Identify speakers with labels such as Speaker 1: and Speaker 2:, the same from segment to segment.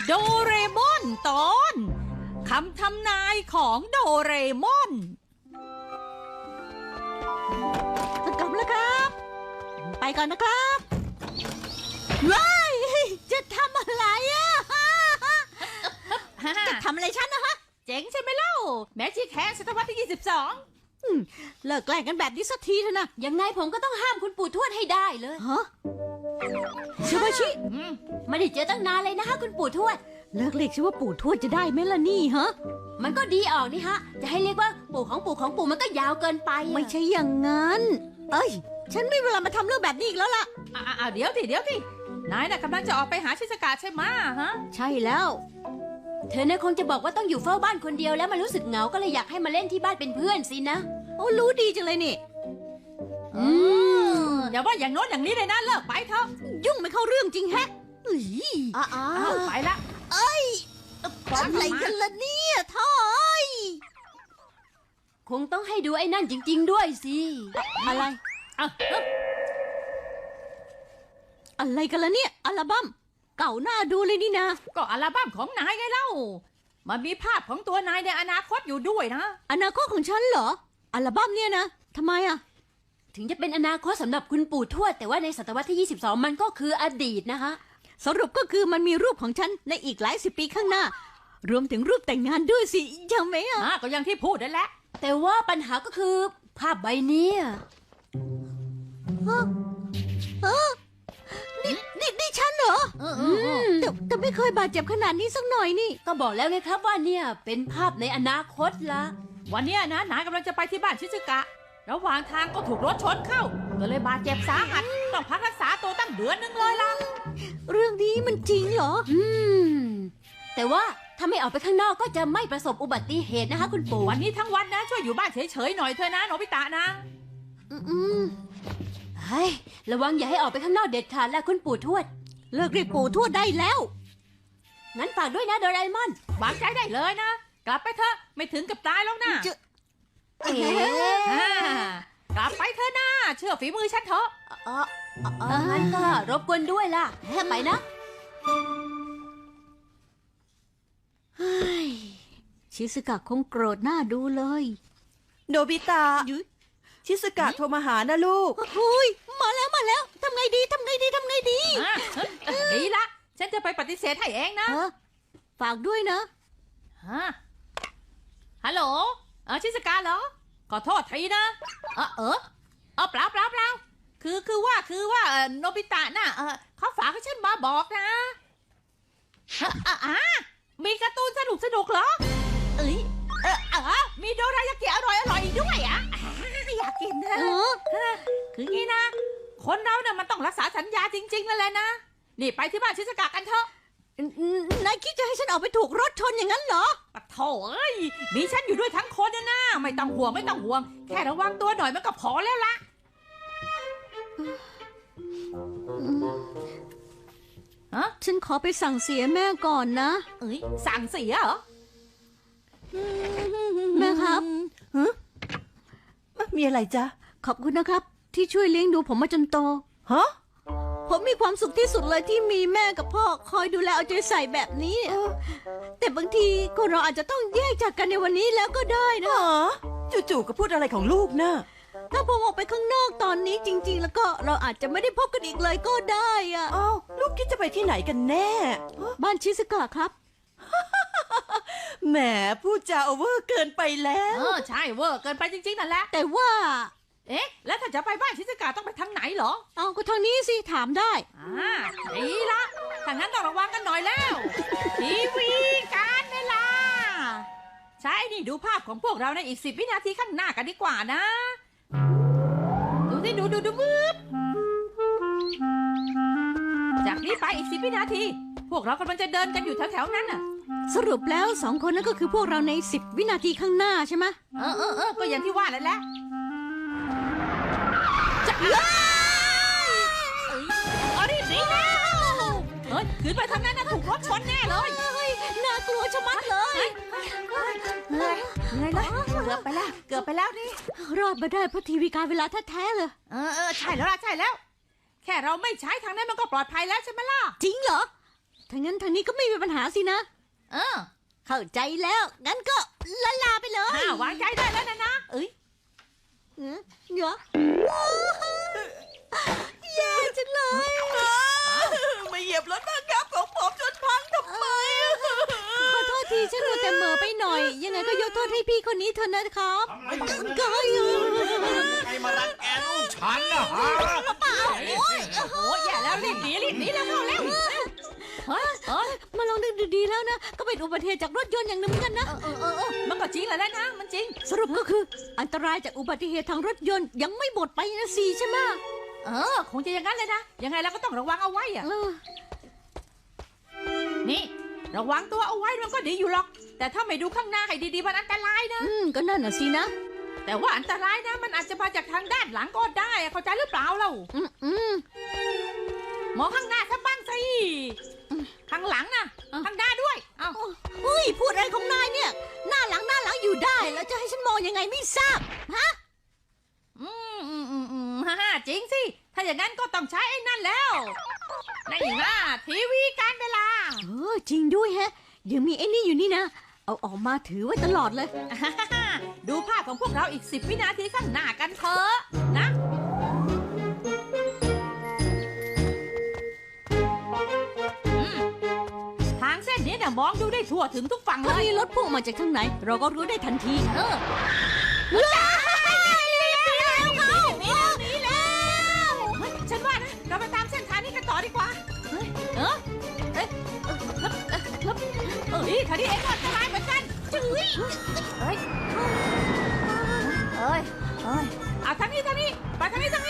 Speaker 1: โดเรมอนตอนคำทำนายของโดเรมอน
Speaker 2: กลับแล้วครับ ไปก่อนนะครับว้ายจะทำอะไรอ่ะจะทำอะไรฉันนะฮะ
Speaker 1: เจ๋งใช่ไหมเล่าแมจิกแฮนศตวรรษที่
Speaker 2: เลิกแกล้งกันแบบนี้สักทีเถอะนะ
Speaker 3: ยังไงผมก็ต้องห้ามคุณปู่ทวดให้ได้เลย
Speaker 2: ฮะชิบาชิ
Speaker 3: ไม่ได้เจอตั้งนานเลยนะคะคุณปู่ทวด
Speaker 2: เลิกเรียกฉันว่าปู่ทวดจะได้ไหมล่ะนี่ฮะ
Speaker 3: มันก็ดีออกนี่ฮะ จะให้เรียกว่าปู่ของปู่ของปู่มันก็ยาวเกินไปอะ
Speaker 2: ไม่ใช่อย่างนั้น เอ้ย ฉันไม่มีเวลามาทำเรื่องแบบนี้อีกแล้วล่ะ
Speaker 1: เดี๋ยวสินายน่ะกำลังจะออกไปหาชิสกะใช่ไหมฮะ
Speaker 2: ใช่แล้ว
Speaker 3: เธอเนี่ยคงจะบอกว่าต้องอยู่เฝ้าบ้านคนเดียวแล้วมันรู้สึกเหงาก็เลยอยากให้มาเล่นที่บ้านเป็นเพื่อนสินะ
Speaker 2: โอ้รู้ดีจังเลยนี่
Speaker 1: อย่าว่าอย่างโน้นอย่างนี้เลยนะเลิกไปเถอะ
Speaker 2: ยุ่งไม่เข้าเรื่องจริงแฮะเอ้ย
Speaker 1: ไปละ
Speaker 2: อะไรกันล่ะเนี่ยท่อย
Speaker 3: คงต้องให้ดูไอ้นั่นจริง ๆ ด้วยสิ
Speaker 2: อะไร อะไรกันล่ะเนี่ย อัลบั้มเก่าหน้าดูเลยนี่นะ
Speaker 1: ก็อัลบั้มของนายไงเล่ามันมีภาพของตัวนายในอนาคตอยู่ด้วยนะ
Speaker 2: อนาคตของฉันเหรอ อัลบั้มเนี่ยนะทำไมอ่ะ
Speaker 3: ถึงจะเป็นอนาคตสำหรับคุณปู่ทวดแต่ว่าในศตวรรษที่ 22 มันก็คืออดีตนะคะ
Speaker 2: สรุปก็คือมันมีรูปของฉันในอีกหลายสิบปีข้างหน้า รวมถึงรูปแต่งงานด้วยสิใช่ไหมอ่ะ
Speaker 1: ก็อย่างที่พูดนั่นแหละ
Speaker 3: แต่ว่าปัญหาก็คือภาพใบนี้อะ
Speaker 2: นี่ฉันเหรอแต่ไม่เคยบาดเจ็บขนาดนี้สักหน่อยนี่
Speaker 3: ก็บอกแล้วไงครับว่าเนี่ยเป็นภาพในอนาคตละ
Speaker 1: วันเนี้ยนะนายกำลังจะไปที่บ้านชิซึกะ ระหว่างทางก็ถูกรถชนเข้า ก็เลยบาดเจ็บสาหัส ต้องพักรักษาตัวตั้งเดือนนึงเลยล่ะ
Speaker 2: เรื่องนี้มันจริงเหรอ
Speaker 3: แต่ว่าถ้าไม่ออกไปข้างนอกก็จะไม่ประสบอุบัติเหตุนะคะคุณปู่
Speaker 1: วันนี้ทั้งวันนะช่วยอยู่บ้านเฉยๆหน่อยเถอะนะโนบิตะนะ
Speaker 3: เฮ้ยระวังอย่าให้ออกไปข้างนอกเด็ดขาดละคุณปู่ทวด
Speaker 2: เลิกเรียกปู่ทวดได้แล้ว
Speaker 3: งั้นฝากด้วยนะโดราเอมอน
Speaker 1: วางใจได้เลยนะ กลับไปเถอะไม่ถึงกับตายแล้วนะ
Speaker 3: เอ๋
Speaker 1: อ่ากลับไปเถอะนะเชื่อฝีมือฉันเถอะ
Speaker 3: งั้นก็รบกวนด้วยล่ะไปนะ
Speaker 2: ชิสกะคงโกรธหน้าดูเลย
Speaker 4: โนบิตะ
Speaker 2: ยุ้ย
Speaker 4: ชิสกะโทรมาหานะลูก
Speaker 2: โอ้ยมาแล้วทำไงดี
Speaker 1: ดีละ ฉันจะไปปฏิเสธให้เองนะ
Speaker 2: ฝากด้วยนะ
Speaker 1: ฮัลโหลชิสกาเหรอ ขอโทษทีนะเปล่าคือว่าโนบิตะน่ะเขาฝากให้ฉันมาบอกนะมีการ์ตูนสนุกเหรอมีโดรายากิอร่อยอีกด้วยอ่ะอยากกินนะคืองี้นะ คนเราเนี่ยมันต้องรักษาสัญญาจริงๆนั่นแหละนะ นี่ไปที่บ้านชิสกะกันเถอะ
Speaker 2: นายคิดจะให้ฉันออกไปถูกรถชนอย่างนั้นเหรอ
Speaker 1: ปะโถเอ้ยมีฉันอยู่ด้วยทั้งคนนะไม่ต้องห่วงแค่ระวังตัวหน่อยมันก็พอแล้วล่ะ
Speaker 2: ฉันขอไปสั่งเสียแม่ก่อนนะ
Speaker 1: สั่งเสียเหรอ
Speaker 2: แม่ครับ
Speaker 4: มีอะไรจ๊ะ
Speaker 2: ขอบคุณนะครับ ที่ช่วยเลี้ยงดูผมมาจนโต
Speaker 4: ฮะ
Speaker 2: ผมมีความสุขที่สุดเลยที่มีแม่กับพ่อคอยดูแลเอาใจใส่แบบนี้ แต่บางทีคนเราอาจจะต้องแยกจากกันในวันนี้แล้วก็ได้นะ
Speaker 4: จู่ๆก็พูดอะไรของลูกนะ
Speaker 2: ถ้าผมออกไปข้างนอกตอนนี้จริง ๆ แล้วก็เราอาจจะไม่ได้พบกันอีกเลยก็ได้อะ
Speaker 4: อ้าวลูกคิดจะไปที่ไหนกันแน่
Speaker 2: บ้านชิสกะครับ
Speaker 4: แหมพูดจาโอเวอร์เกินไปแล้ว
Speaker 1: ใช่เวอร์เกินไปจริงๆนั่นแหละ
Speaker 2: แต่ว่า
Speaker 1: แล้วถ้าจะไปบ้านชิสกะต้องไปทางไหนเหรอ
Speaker 2: เอาก็ทางนี้สิถามได้
Speaker 1: ดีละถ้างั้นต้องระวังกันหน่อยแล้วทีวีการเวลาใช่นี่ดูภาพของพวกเราในอีก10 วินาทีข้างหน้ากันดีกว่านะ ดูสิดูมืดจากนี้ไปอีก10 วินาที พวกเรากำลังจะเดินกันอยู่แถวๆนั้นน่ะ
Speaker 2: สรุปแล้ว2 คนนั้นก็คือพวกเราใน10 วินาทีข้างหน้าใช่ไหม
Speaker 1: ก็อย่างที่ว่านั่นแหละจะรีบหนีแล้วขึ้นไปทางนั้นนะถูกรถชนแน่เลย
Speaker 2: น่ากลัวชะมัดเลย
Speaker 1: ไงล่ะเกือบไปแล้วนี่
Speaker 2: รอดมาได้เพราะทีวีการเวลาแท้ๆเลย
Speaker 1: ใช่แล้ว แค่เราไม่ใช้ทางนั้นมันก็ปลอดภัยแล้วใช่ไหมล่ะ
Speaker 2: จริงเหรอถ้างั้นทางนี้ก็ไม่มีปัญหาสินะ
Speaker 1: เออ
Speaker 2: เข้าใจแล้ว งั้นก็ลาไปเลย
Speaker 1: วางใจได้แล้วนะเอ้ย
Speaker 2: เดี๋ยวแย่จังเลย
Speaker 4: มาเหยียบรถบังคับของผมจนพังทำไม
Speaker 2: ขอโทษทีฉันมัวแต่เหม่อไปหน่อย ยังไงก็ยกโทษให้พี่คนนี้เถอะนะครับก็
Speaker 5: ใครมารังแกลูกฉันนะฮะ
Speaker 1: โอ้ยอย่าแล้วรีบหนีแล้วเข้าแล้วเฮ้ย
Speaker 2: มาลองนึกดูดีแล้วนะ ก็เป็นอุบัติเหตุจากรถยนต์อย่างหนึ่งเหมือนกันนะ
Speaker 1: มันก็จริงแหละนะมันจริง
Speaker 2: สรุปก็คือ อันตรายจากอุบัติเหตุทางรถยนต์ยังไม่หมดไปนะสิใช่ไหม
Speaker 1: คงจะอย่างนั้นเลยนะยังไงเราก็ต้องระวังเอาไว้อะ
Speaker 2: เออ
Speaker 1: นี่ระวังตัวเอาไว้มันก็ดีอยู่หรอก แต่ถ้าไม่ดูข้างหน้าให้ดีๆมันอันตรายนะ
Speaker 2: ก็นั่นน่ะสินะ
Speaker 1: แต่ว่าอันตรายนะมันอาจจะมาจากทางด้านหลังก็ได้อะเข้าใจหรือเปล่าเรา มองข้างหน้าซะบ้างสิข้างหลังนะข้างหน้าด้วยเอ้า
Speaker 2: เฮ้ยพูดอะไรของนายเนี่ย หน้าหลังอยู่ได้ แล้วจะให้ฉันมองยังไงไม่ทราบฮะ
Speaker 1: ฮ่าจริงสิถ้าอย่างนั้นก็ต้องใช้ไอ้นั่นแล้วนี่นะทีวีการเวลา
Speaker 2: จริงด้วยแฮะยังมีไอ้นี่อยู่นี่นะ เอาออกมาถือไว้ตลอดเลย
Speaker 1: ดูภาพของพวกเราอีก10 วินาทีข้างหน้ากันเถอะนะทางเส้นนี้เนี่ยมองดูได้ทั่วถึงทุกฝั่งเล
Speaker 2: ถ้าย มีรถพุ่งมาจากทางไหน เราก็รู้ได้ทันที
Speaker 1: ฉันว่านะเราไปตามเส้นทางนี้กันต่อดีกว่าทางนี้เองก็อันตรายเหมือนกันเอาทางนี้ไปทางนี้เป็นไร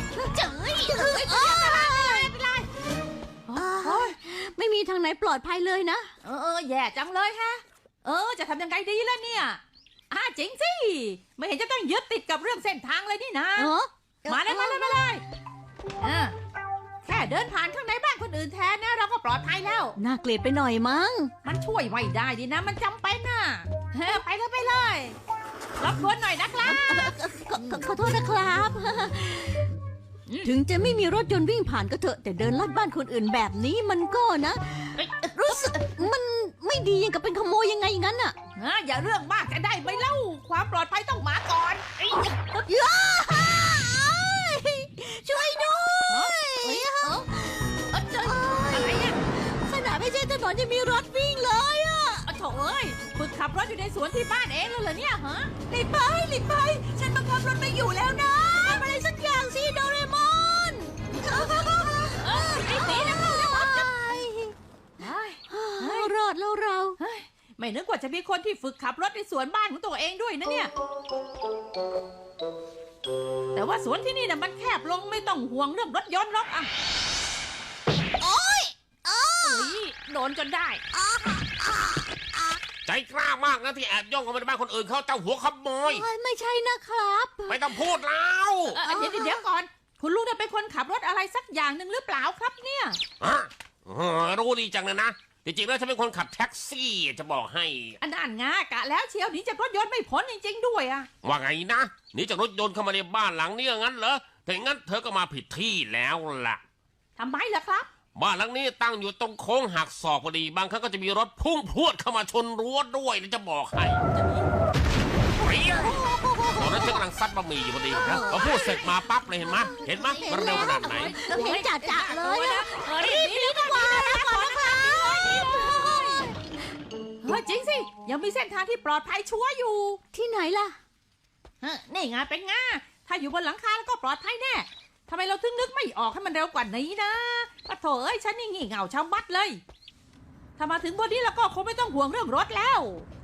Speaker 2: ไม่มีทางไหนปลอดภัยเลยนะ
Speaker 1: แย่จังเลยฮะจะทำยังไงดีล่ะเนี่ยจริงสิไม่เห็นจะต้องยึดติดกับเรื่องเส้นทางเลยนี่นะมาเลยแค่เดินผ่านข้างในบ้านคนอื่นแทนนะเราก็ปลอดภัยแล้ว
Speaker 2: น่าเกลียดไปหน่อยมั้ง
Speaker 1: มันช่วยไม่ได้ดินะมันจำเป็นน่ะไปเลยรบกวนหน่อยนะครับ
Speaker 2: ขอโทษนะครับ ถึงจะไม่มีรถยนต์วิ่งผ่านก็เถอะ แต่เดินลัดบ้านคนอื่นแบบนี้มันก็นะ รู้สึกมันไม่ดียังกับเป็นขโมยยังไงงั้นอ่ะ
Speaker 1: อย่าเรื่องมากจะได้ไหมเล่าความปลอดภัยต้องมาก่อน
Speaker 2: ช่วยด้วย
Speaker 1: อะไรเนี่ย
Speaker 2: ขนาดไม่ใช่ถนนยังมีรถวิ่งเลยอ่ะ
Speaker 1: โถ่ฝึกขับรถอยู่ในสวนที่บ้านเองแล้วเหรอเนี่ยฮะ
Speaker 2: รีบไปฉันบังคับรถไม่อยู่แล้วนะทำอะไรสักอย่างสิโดเรมอน
Speaker 1: รีบหนีนะ
Speaker 2: รอดแล้วเรา
Speaker 1: ไม่นึกว่าจะมีคนที่ฝึกขับรถในสวนบ้านของตัวเองด้วยนะเนี่ย แต่ว่าสวนที่นี่น่ะมันแคบลงไม่ต้องห่วงเรื่องรถยนต์หรอกโดนจนได้
Speaker 5: ใจกล้ามากนะที่แอบย่องเข้ามาในบ้านคนอื่นเขาเจ้าหัวขโมย
Speaker 2: ไม่ใช่นะครับ
Speaker 5: ไม่ต้องพูดแล้ว
Speaker 1: เดี๋ยวก่อน คุณลุงเนี่ยเป็นคนขับรถอะไรสักอย่างหนึ่งหรือเปล่าครับเนี่ย
Speaker 5: รู้ดีจังเลยนะจริงๆแล้วฉันเป็นคนขับแท็กซี่จะบอกให้
Speaker 1: อันนั้นงากะแล้วเชียวหนีจากรถยนต์ไม่พ้นจริงๆด้วยอะ
Speaker 5: ว่าไงนะหนีจากรถยนต์เข้ามาในบ้านหลังนี้งั้นเหรอถ้าอย่างนั้นเธอก็มาผิดที่แล้วล่ะ
Speaker 1: ทำไมล่ะครับ
Speaker 5: บ้านหลังนี้ตั้งอยู่ตรงโค้งหักศอกพอดีบางครั้งก็จะมีรถพุ่งพรวดเข้ามาชนรั้วด้วยนะจะบอกให้ตอนนั้นฉันกำลังซัดบะหมี่อยู่พอดีนะพอพูดเสร็จมาปั๊บเลยเห็นไหมมันเร็วขนาดไหน
Speaker 2: เห็นจ่าเลยอะ
Speaker 1: รีบดีกว่าจริงสิยังมีเส้นทางที่ปลอดภัยชัวร์อยู่
Speaker 2: ที่ไหนล่ะ
Speaker 1: นี่ไงเป็นง่าถ้าอยู่บนหลังคาแล้วก็ปลอดภัยแน่ทำไมเราถึงนึกไม่ออกให้มันเร็วกว่านี้นะปะโถฉันนี่งี่เง่าชาวบัดเลยถ้ามาถึงบนนี้แล้วก็คงไม่ต้องห่วงเรื่องรถแล้ว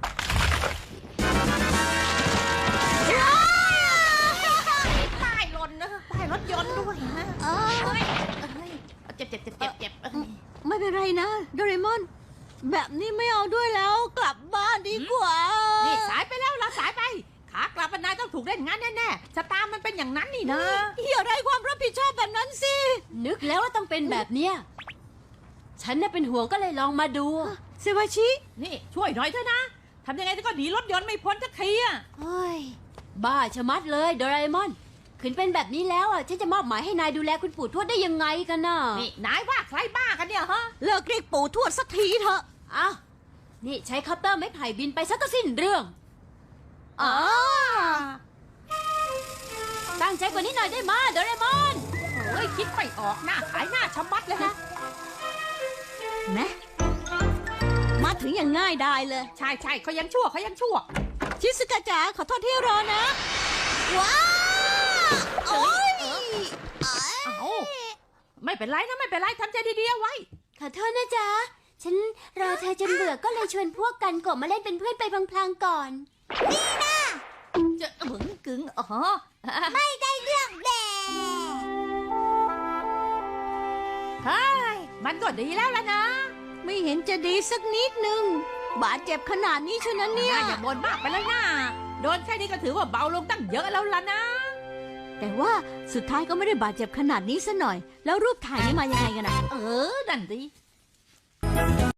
Speaker 1: ป้ายหล่นนะป้ายรถยนต์ด้วยฮะเจ็บ
Speaker 2: ไม่เป็นไรนะโดเรมอน แบบนี้ไม่เอาด้วยแล้วกลับบ้านดีกว่า
Speaker 1: นี่สายไปแล้วเราสายไปขากลับนายต้องถูกเล่นงานแน่ๆชะตามันเป็นอย่างนั้นนี่นะ
Speaker 2: อย่าไรความรับผิดชอบแบบนั้นสิ
Speaker 3: นึกแล้วว่าต้องเป็นแบบเนี้ยฉันน่ะเป็นห่วงก็เลยลองมาดู
Speaker 2: เซวาชิ
Speaker 1: นี่ช่วยหน่อยเถอะนะทำยังไงก็หนีรถยนต์ไม่พ้นสักทีอะ
Speaker 3: เฮ้ยบ้าชะมัดเลยโดราเอมอนขืนเป็นแบบนี้แล้วอ่ะฉันจะมอบหมายให้นายดูแลคุณปู่ทวดได้ยังไงกันน่ะ
Speaker 1: นี่นายว่าใครบ้ากันเนี่ยฮะ
Speaker 2: เลิกเรียกปู่ทวดสักทีเถอะ
Speaker 3: อ้าวนี่ใช้คอปเตอร์ไม้ไผ่บินไปซะก็สิ้นเรื่อง
Speaker 2: อ๋อ
Speaker 3: ตั้งใจกว่านี้หน่อยได้มาโดเรมอน
Speaker 1: เฮ้ยคิดไม่ออกหน้าขายหน้าชะมัดเลยฮะ
Speaker 2: แม่มาถึงอย่างง่ายได้เลย
Speaker 1: ใช่ใช่เขายังชั่วเขายังชั่ว
Speaker 2: ชิสกะจ๋าขอโทษที่รอนะ ว้าวโอ้ย
Speaker 1: เอาไม่เป็นไรนะไม่เป็นไรทำใจดีๆเอาไว้
Speaker 3: ขอโทษนะจ๊ะ ฉันรอเธอจนเบื่อก็เลยชวนพวกกันกบมาเล่นเป็นเพื่อนไปพลางๆก่อน
Speaker 1: จะบึงกึ๋งอ๋อ
Speaker 2: ไม่ได้เรื่องแด
Speaker 1: เฮ้ยมันก็ดีแล้วล่ะนะ
Speaker 2: ไม่เห็นจะดีสักนิดนึง บาดเจ็บขนาดนี้เชียวนะเนี่ย
Speaker 1: อย่าบ่นมากไปเลยนะโดนแค่นี้ก็ถือว่าเบาลงตั้งเยอะแล้วล่ะนะ
Speaker 2: แต่ว่าสุดท้ายก็ไม่ได้บาดเจ็บขนาดนี้ซะหน่อย แล้วรูปถ่ายนี่มายังไงกันอะ
Speaker 1: เออนั่นดิ